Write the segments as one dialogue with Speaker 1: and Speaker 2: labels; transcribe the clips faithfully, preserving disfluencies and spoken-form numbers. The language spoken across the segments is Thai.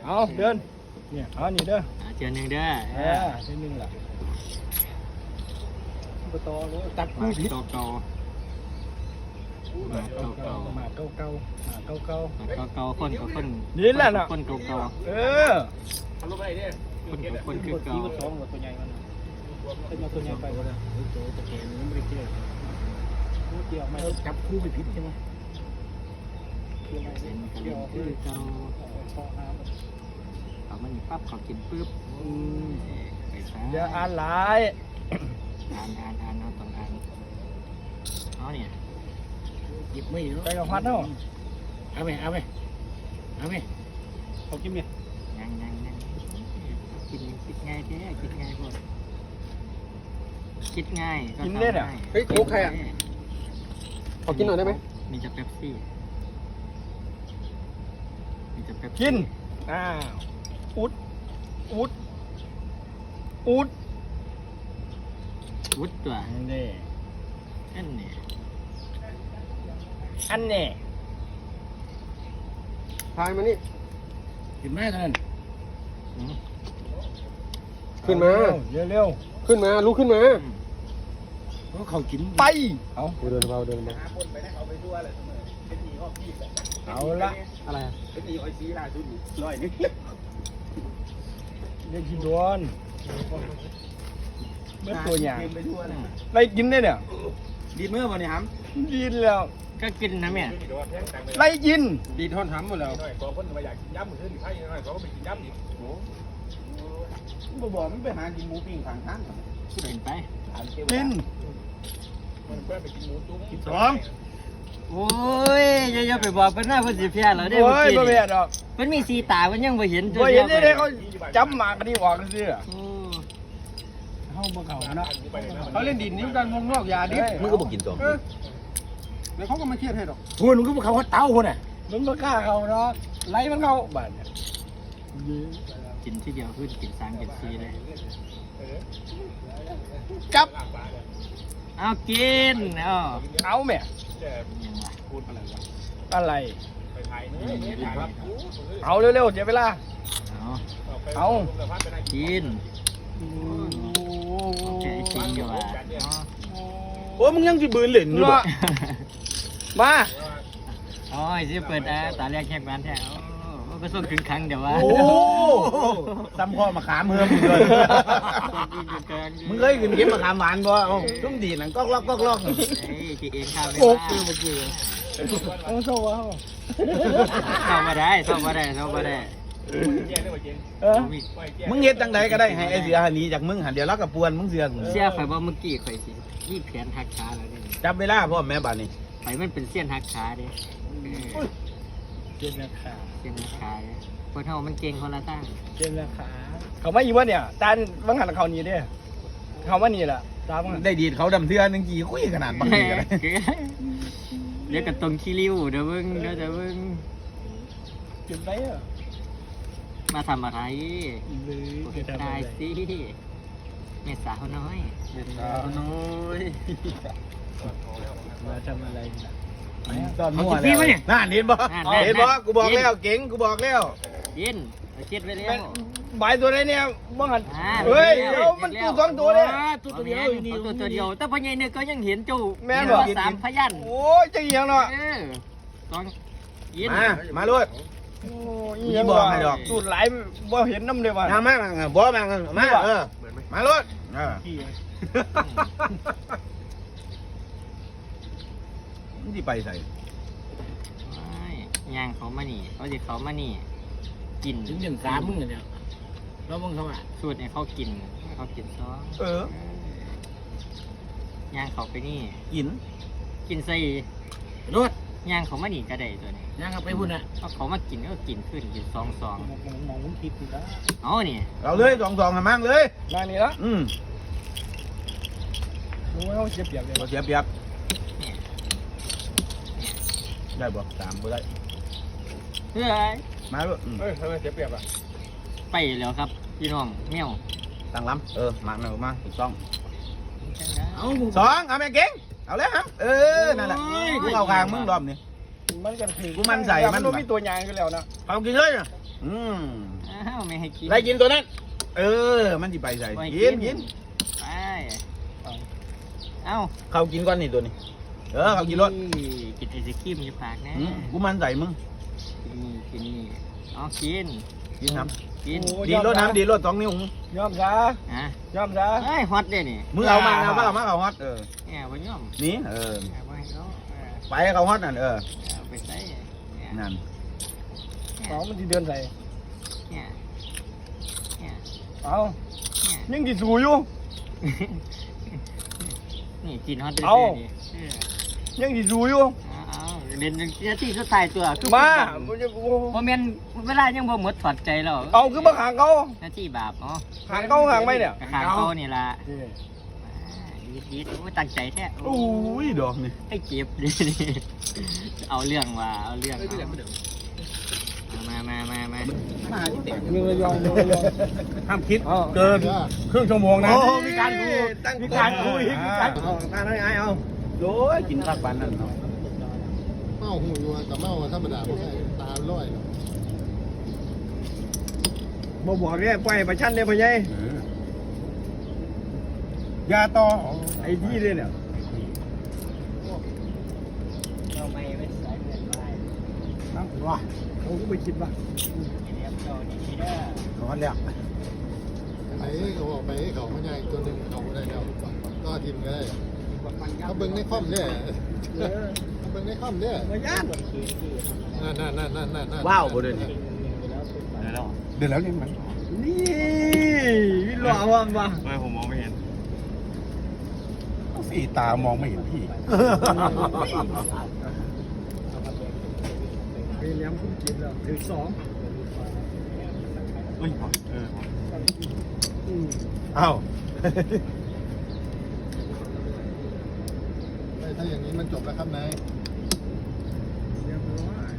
Speaker 1: เอาเดินเนี่ยเอานี่เด้อ
Speaker 2: เจอหนึ่งเด้อ
Speaker 1: เออเจอหนึ่งล่ะประตูเลยตัดคู่ผิด
Speaker 2: เก่าเก่ามาเก่าเก่า
Speaker 1: มาเก่าเก่ามาเก่าเก่า
Speaker 2: มาเก่าเก่าคนกับคน
Speaker 1: นี่แหละน่ะ
Speaker 2: คนเก่าเก่า
Speaker 1: เออ
Speaker 2: คนกับคนคือเก่า
Speaker 1: สองตัวใหญ่มันเป็นมาตัวใหญ่ไปก็ได้โจ้ตะเกียงมันไม่ได้เกี่ยวเกี่ยวไม่จับคู่ไปผิดใช่ไหมเกี่ยวไม่
Speaker 2: เป็นกัน
Speaker 1: เกี่ยว
Speaker 2: คือเก่า
Speaker 1: พอห้าม
Speaker 2: เขามันปั๊บเขากินปุ๊บไปซะ
Speaker 1: อย่าอ่านหลาย
Speaker 2: อ่านอ่านอ่านเอาต้องอ่านเอาเนี่ย
Speaker 3: หยิบไม่เนาะ
Speaker 1: ไปกับพัดเนาะ
Speaker 3: เอาไหมเอาไหมเอาไหม
Speaker 1: เขากินเนี่ย
Speaker 2: ยังยังยังกินคิดง่ายแท้คิดง่ายพอคิดง่ายก็ทำง่าย
Speaker 3: เฮ้ยโค้กใครอ่ะขอกินหน่อยได้ไหม
Speaker 2: มีจะเป๊ปซี่มีจะเป๊ปซี่
Speaker 1: กินอ้าวอุดอุดอุด
Speaker 2: วุ้ดตัว
Speaker 1: อันนี้
Speaker 2: นั่นเนี่ย
Speaker 1: อันนี้
Speaker 3: พายมานี่
Speaker 1: กินไหมท่าน
Speaker 2: อืม
Speaker 3: ขึ้นมา
Speaker 1: เร็วเร็ว
Speaker 3: ขึ้นมาลุกขึ้นมา
Speaker 1: เขากินไปเอา
Speaker 3: เดินเบาเดินเบา
Speaker 1: เอาละ
Speaker 3: อะไร
Speaker 1: เด็กกินโดนเมื่อตัวอย่างไปกินได้เนี่ย
Speaker 3: ดีเมื่อวันนี้ฮัม
Speaker 1: กินแล้ว
Speaker 2: ก็กินนะแม่
Speaker 1: ไล่กิน
Speaker 3: ดีทอนฮัมหมดแล้ว
Speaker 1: บ่บอกมันไปหากินหมูปิ้งข้างทาง
Speaker 2: เป็นไป
Speaker 1: กินสอง
Speaker 2: โอ้ยอย่าอย่าไปบอกเป็นหน้าเพิ่นสิเพี้ยแล้วเด้
Speaker 1: โอ้ย
Speaker 2: เมื่
Speaker 1: บ่
Speaker 2: อ
Speaker 1: เบี
Speaker 2: กี้
Speaker 1: ยดหรอก
Speaker 2: มันมีสีตามันยังบ่เห็น
Speaker 1: บ่เห็นได้เลยเขาจำหมากกันนี่ออกซื่อ
Speaker 2: โอ้
Speaker 1: เฮาบ่เข้าเนาะ
Speaker 3: เขาเล่นดินนิ้วกันวงนอกยาดิ
Speaker 1: มึงก็บ่กินตัว
Speaker 3: แล้วเขาก็มาเครียดให้หรอก
Speaker 1: คุณมึงก็บ่เข้าเต้าพุ่นน่ะมึงบ่กล้าเข้าเนาะไล่มันเข้าบาดเนี่ย
Speaker 2: กินทีเดียวขึ้นกินสามกินสี่เลย
Speaker 1: จับ
Speaker 2: เอากินเอา
Speaker 1: เอาแม่
Speaker 2: ยังวะ
Speaker 1: อะไร
Speaker 2: กิน
Speaker 1: เอาเร็วๆเสียเวลา
Speaker 2: เอา
Speaker 1: เอา
Speaker 2: กินแค่จริงอยู่อ่ะ
Speaker 3: โอ้มึงยังจะบืนเหล่นอยู่
Speaker 1: เนาะมา
Speaker 2: โอ้ยสิเปิดอ่ะตาแรกแค่บ้านแท้โอ้ก็ส่งถึงครั้งเดี๋ยววะ
Speaker 3: โอ้ซ้ำพ่อมาขามเฮิมอยู่ด้วยมึงเคยกินเก็บมาขามหวานบ่ชุ่มดีหนังก๊อกล็อกก๊อกล็อก
Speaker 2: เฮ้ยจีเอ็นข้าวไป
Speaker 1: โอ้
Speaker 2: บ้า
Speaker 1: คือเมื่อกี้เอาโซ่เอา
Speaker 2: เข้ามาได้เข้ามาได้เข้ามาได้
Speaker 1: เออ
Speaker 3: มึงเฮ็ดจังใดก็ได้ให้ไอ้เสียหนีจากมึงหันเดี๋ยวรักกับปวนมึงเสือก
Speaker 2: เสียข่อยว่าเมื่อกี้ข่อยสิยี่แผนหักขาแล้วเนี่ย
Speaker 3: จับเวลาพ่อแม่บ้านนี่
Speaker 2: ข่อยมันเป็นเส้นหักขาเด้
Speaker 1: เจ็บราคา
Speaker 2: เส้นหักขาเด้คนเฮามันเก่งคนละตั้ง
Speaker 1: เจ็บราคาเขามาอีกวะเนี่ยตาบังหันเขานี่เด้เขามานี่แหละตาบังหัน
Speaker 3: ได้ดีดเขาดำเทือนึงกี่คุยขนาดบางทีกันเลย
Speaker 2: เดี๋ยวก็ตรงขี้ริ้วเดี๋ยวเบิ่งเดี๋ยวเดี๋ยวเบิ่ง
Speaker 1: เจ็บไปอ่ะ
Speaker 2: มาทำอะไร
Speaker 1: เลย
Speaker 2: โอ้ยตายสิแม่สาวน้อย
Speaker 3: น้อย
Speaker 1: มาทำอะไรนะ
Speaker 3: ตอนมั่วแล้วน่าเห็นบ่เห็นบ่กูบอกแล้วเก่งกูบอกแล้ว
Speaker 2: ยินเอาเช็ดไว้แล้ว
Speaker 1: ใบตัวไหนเนี่ยบังหัน
Speaker 2: อ่า
Speaker 1: เฮ้ยเดี๋ยวมันตู้สองตัวเนี่ย
Speaker 2: ตัวตัวเดียวอยู่นี่ตัวตัวเดียวแต่พอใหญเนี่ยก็ยังเห็นเจ้า
Speaker 1: แม่น
Speaker 2: เห็น
Speaker 1: บ่
Speaker 2: ว่าสามพยัน
Speaker 1: โอ้ยจะเอียงเนาะ
Speaker 2: เออสองยิน
Speaker 3: มามาลุด
Speaker 1: โอ้ยเอียง
Speaker 3: บอกให้ดอก
Speaker 1: สูดไหลบ่เห็นน้ำเลยว่ะ
Speaker 3: มามาบ่มามาเออมาลุดเออมึงที่ไปใส่
Speaker 2: ไม่ย่างเขามานี่เขาจะเขามานี่กิน
Speaker 3: ถึงหนึ่งสามมึงเนี่ยแล้วมึงเข้ามา
Speaker 2: สูตรเนี่ยเขากินเขากินซอ
Speaker 1: เอ
Speaker 2: ย่างเขาไปนี่
Speaker 3: กิน
Speaker 2: กินใส่
Speaker 3: ลุด
Speaker 2: ย่างเขามานี่ก็ได้ตัวนี้
Speaker 3: ยังไปพุ่นอ่ะ
Speaker 2: เอาเขามากินก็กินขึ้นกินสองสอง
Speaker 1: มองมองมึงคิดอยู่แล้ว
Speaker 2: เอานี่
Speaker 3: เราเลยสองสองมั่งเลย
Speaker 1: มานี่ละ
Speaker 3: อืม
Speaker 1: โอ้ยเขาเจ็บเปียกเลย
Speaker 3: เราเสียเปรียบได้บ่สามบ่ได้
Speaker 2: เฮ้ย
Speaker 3: มาลุด
Speaker 1: เฮ้ยทำไมเจ็บเปียกอ่ะ
Speaker 2: ไปแล้วครับพี่น้องแมว
Speaker 3: ตั้งลำเออมาหนึ่งมาถูกต้องสองเอาแม่เก่งเอาเลยครับเออนั่นแหละกูเอาคางมึงรอบนี่
Speaker 1: มันกันคือ
Speaker 3: กูมั่นใจมัน
Speaker 1: มันต้องมีตัวยางกันแล้วนะ
Speaker 3: เอากินเลยอ่ะอืม
Speaker 2: อ้าวไม่ให้กิน
Speaker 3: ไล่กินตัวนั้นเออมันสิไปใส่
Speaker 2: ไม่
Speaker 3: กินกิน
Speaker 2: ไปเอ้า
Speaker 3: เขากินก่อนนี่ตัวนี้เออเขากินรถ
Speaker 2: กินไอศครีมอยู่ปากนะ
Speaker 3: อืมกูมันใส่มึง
Speaker 2: กินนี่กินนี่อ๋อกิน
Speaker 3: กินน้
Speaker 2: กิน
Speaker 3: ำดีรถน้ำดีรถสองนิ้ว
Speaker 1: ยอมซะ
Speaker 2: อ่ะ
Speaker 1: ยอมซะ
Speaker 2: เฮ้ยฮอตเด้นี่
Speaker 3: มึงเอามาเอามาเอามาเขาฮอตเออ
Speaker 2: เนี่ยวันย่อม
Speaker 3: นี่เออ
Speaker 2: เอาไปให้เขาเออ
Speaker 3: ไปให้เขาฮอตนั่นเออ
Speaker 2: เอาไปใส่เนี่ย
Speaker 3: นั่น
Speaker 1: สองมันจะเดินใส่
Speaker 2: เนี่ยเนี่ย
Speaker 1: เอา
Speaker 2: เนี่ย
Speaker 1: ยังกี่สูอยู่
Speaker 2: นี่กินฮอตเด้
Speaker 1: เอา
Speaker 2: นี่เออ
Speaker 1: ยังกี่สูอยู่
Speaker 2: เอาเอาเล่นเจ้าที่สุดท้ายตัวคือ
Speaker 1: มา
Speaker 2: โมเมนเวลายังบ่หมดถอดใจแล้ว
Speaker 1: เอาคือมาขางเขา
Speaker 2: หน้าที่บาปเนาะ
Speaker 1: ขางเขาขางไม่เนี่ย
Speaker 2: กระขางเขานี่ล่ะดีดีโอ้ยตั้งใจแท้
Speaker 3: โอ้ยดอกนี่
Speaker 2: ให้เก็บดิเอาเรื่องว่าเอาเรื่องเอามามามามา
Speaker 3: มาที่แตก
Speaker 1: มือยองมือยอง
Speaker 3: ห้ามคิด
Speaker 1: เกินครึ่งชั่วโมงนะ
Speaker 3: โอ้มีการคุย
Speaker 1: มีการคุยมีการเอาการอะไรไอ้เอา
Speaker 3: โอ้ยกินข้าวปันนั่นเนาะ
Speaker 4: เมาหูยัวกับเมาธรรมดาไม่ใช่ตาลอย
Speaker 1: บ่บอกเนี่ยปล่อยประชันเนี่ยพ่อใหญ่
Speaker 3: ยาต่อ
Speaker 1: ไอ้ที่เลยเนี่ย
Speaker 2: เราไม่ไม่ใส่เงินไป
Speaker 1: นะว้าเขาก็ไปคิดว่า
Speaker 2: เรียบร้อยนี่เด้อ
Speaker 3: ร้อนแล้ว
Speaker 4: ไอ้เขาบอกไปเขาไม่ใช่ตัวหนึ่งเขาได้แล้วก็ทีมก็ได้เขาเบิ้งในคอมเนี่ยเขาเบิ้งในคอมเนี่ย
Speaker 1: มาย่าน
Speaker 4: นั่นนั่นนั่นนั่นนั่น
Speaker 3: ว้าวบ่เดินนี่
Speaker 4: เดือดแล้วนี่มัน
Speaker 1: นี่วิลล์เอาว่ามา
Speaker 2: ไม่ผมมองไม่เห็น
Speaker 4: สีตามองไม่เห็นพี่
Speaker 1: เรียมคุ้มกินแล้วถึงสอง
Speaker 2: เฮ้ยเออ
Speaker 3: เอ้า
Speaker 4: ถ้าอย่างนี้มันจบแล้วครับนาย
Speaker 1: เรียบร้อย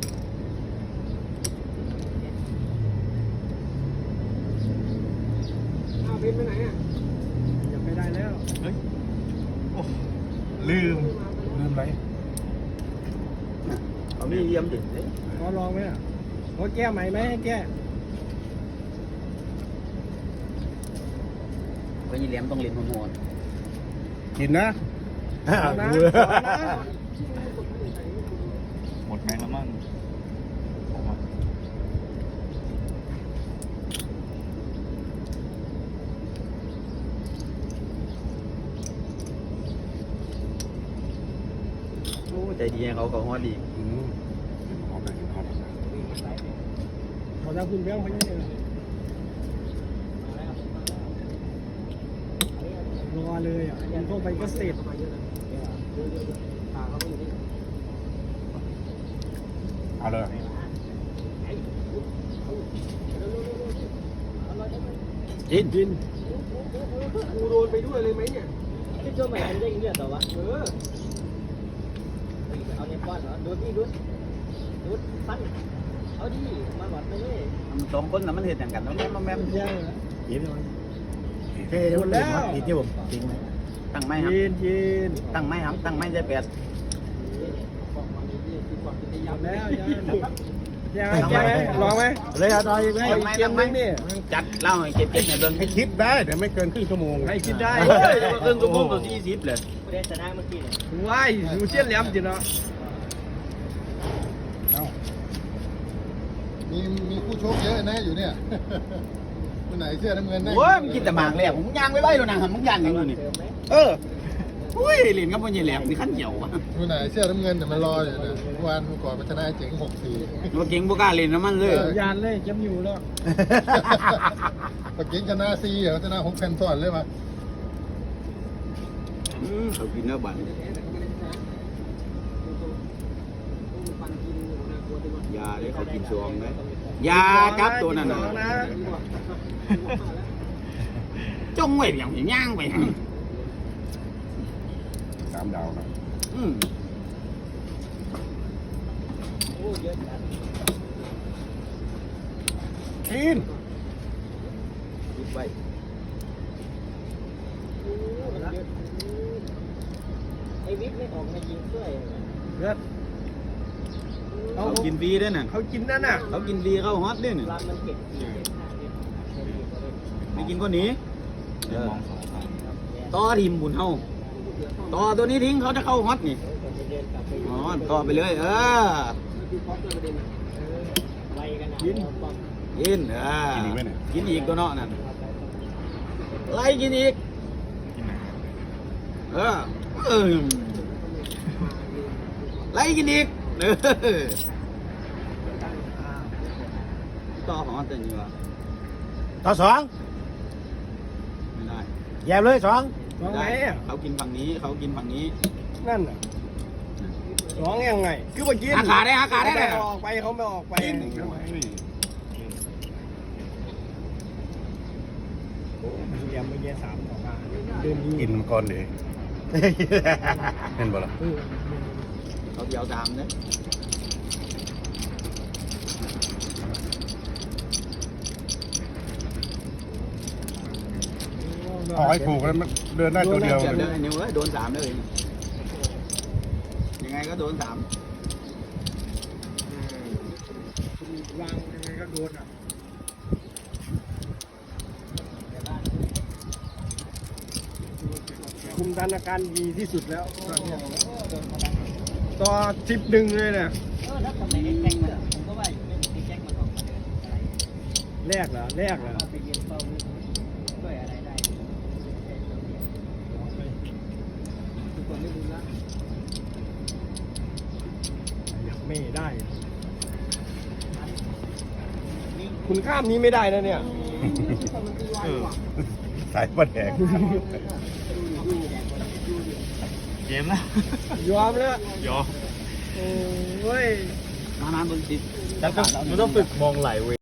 Speaker 1: อ้าวบินไปไหนอ่ะยังไม่ได้แล้ว
Speaker 2: ลืม
Speaker 4: ลืมไร
Speaker 3: เอามีเยี่ยมดิ
Speaker 1: ขอลองไหมอ่ะขอแก้ใหม่ไหมให้แก้
Speaker 3: ไปยี่เหลี่ยมต้องเรียนหัว
Speaker 4: กินนะ
Speaker 1: เอานะ
Speaker 2: หมดไหมแล้วมั่ง
Speaker 3: โอ้ใจดีเขาเขาฮอตดี
Speaker 4: เอาไปกินข้าว
Speaker 1: ขอทางคุณแบงค์เขาเนี่ยรอเลยอ่ะยังเข้าไปก็เสร็จ
Speaker 4: เอาเลย
Speaker 3: กิน
Speaker 1: บินกูโดนไปด้วยเลยไหมเนี่ย
Speaker 2: ที่ช่วยใหม่ทำได้เยอะต่อวะ
Speaker 1: เออ
Speaker 2: เอาเนี่ยป้อนเหรอดูดิดูดูฟันเอาดิมาหวัดไปเลย
Speaker 3: สองคนน่ะมันเห็นอย่างกันแล้วแม่มาแม่
Speaker 1: ไม่ใช่เหรอ
Speaker 3: กิน
Speaker 1: เท่หมดแล้ว
Speaker 3: กินที่ผมจริงไหมตั้งไม้ครับ
Speaker 1: ยินยิน
Speaker 3: ตั้งไม้ครับตั้งไม้ได้แปด
Speaker 1: หมดแล้วยังยังไงลองไหม
Speaker 3: เลยเอาต่ออีกไหม
Speaker 1: เอาอีก
Speaker 3: ไม้
Speaker 1: เก
Speaker 3: ตั้
Speaker 1: ม
Speaker 3: ง
Speaker 1: นึ
Speaker 3: ไม้
Speaker 1: งนี่
Speaker 3: จัดเล่าให้เก็บเก็บในเบื้อง
Speaker 4: ให้คิดได้แต่ไม่เกินครึ่งชั่วโมง
Speaker 1: ให้คิดได้
Speaker 3: เฮ้ยเกินตัวพวกตัวสี่สิบเลย
Speaker 2: ผู้ได้ชนะเมื่อกี้เนี่ย
Speaker 1: ว้ายดูเชี่ยนแหลมจริงเนาะ
Speaker 4: มีมีคู่ชกเยอะนะอยู่เนี่ยคนไหนเสื้อน้ำเงินได้
Speaker 3: โอ้ยมึงกินแต่หมากเลยผมย่างไม่ไหวแล้วนะมึงย่างอย่างนี้เอออุ้ยเหรียญกับมันยี่แหลมนี่ขั้นเหี่ยวอ่ะ
Speaker 4: คนไหนเสื้อน้ำเงินเนี่ยมันรออยู่เนี่ยเมื่อวานเมื่อก่อนมันชนะเจ๋งหกสี่
Speaker 3: ตัวเก่งบุกล้าเล่นน้ำมันเลย
Speaker 1: ยานเลยจำอยู่แล้ว
Speaker 4: ปเก่งชนะซีเหรอชนะหกแผ่นซ้อนเลยมา
Speaker 3: อืมเขากินเนื้อบันยาเลยเขากินซองเลยยาจับตัวนั่นน่ะจ้องไว้อย่างย่างไป
Speaker 4: สามดาวนะ
Speaker 3: อืม
Speaker 2: โอ้เยอะจัด
Speaker 4: กิน
Speaker 3: คิดไว้
Speaker 2: ไอ้วิทย์ไม่ออกมายิงช่วย
Speaker 1: เลือด
Speaker 3: เขากินฟรีด้วยน่ะ
Speaker 1: เขากินนั่นน่ะ
Speaker 3: เขากินฟรีเขาฮอตด้วยน่ะไม่กินก็หนีเออต่อทีมบุญเฮาต่อตัวนี้ทิ้งเขาจะเข้าฮอตนี่อ๋อต่อไปเลยเออ
Speaker 1: กิน
Speaker 3: กินเออกินอีกตัวเนาะนั่นไล่กินอีกเออเออไล่กินอีกเออต่อฮอตแต่นี่วะ
Speaker 1: ต่อสอง
Speaker 3: ไม่ได้
Speaker 1: แย่เลยสองสองไหน
Speaker 3: ม่ด้
Speaker 1: อ่ะ
Speaker 3: เขากินฝั่งนี้เขากินฝั่งนี้
Speaker 1: นั่นน่ะสองยังไงคือว่ากิน
Speaker 3: อาขาได้อาขาได้
Speaker 1: เขา
Speaker 3: เล
Speaker 1: ไม่
Speaker 3: ย
Speaker 1: ออกไปเขาไม่ออกไปเยี่ยมไม่เยี่ยสามออกมาเดิน
Speaker 4: กินก่อนดิเห็นบ่ล่ะ
Speaker 3: เขาเดียวตามเนี่ย
Speaker 4: เอาให้ถูกแล้วมันเดินได้ตัวเดียว
Speaker 3: เจ็บเลยนิ้วเอ้ยโดนสามเลยยังไงก็โดนสาม
Speaker 1: วางยังไงก็โดนอ่ะคุมสถานการณ์ดีที่สุดแล้วตอนเนี้ยต่อสิบหนึ่งเลยเนี่ย
Speaker 2: เออแล้วทำไมไอ้แจ็คมันผมก็ว่าอยู่ไม่ไอ้แจ็คมันออกมาเดินอะไร
Speaker 1: แรกเหรอแรกเหรอ
Speaker 2: เอาไปเย็นเฝ้าด้วยอะไรได้ทุกคนไม่รู้ละ
Speaker 1: อยากไม่ได้ คุณข้ามนี้ไม่ได้นะเนี่ย
Speaker 4: สายประแดง
Speaker 2: เกมนะ
Speaker 1: ยอมแล้ว
Speaker 2: ยอม
Speaker 1: โอ้ย
Speaker 3: มามาบนสิ
Speaker 1: มันต้องฝึกมองไหลเว้ย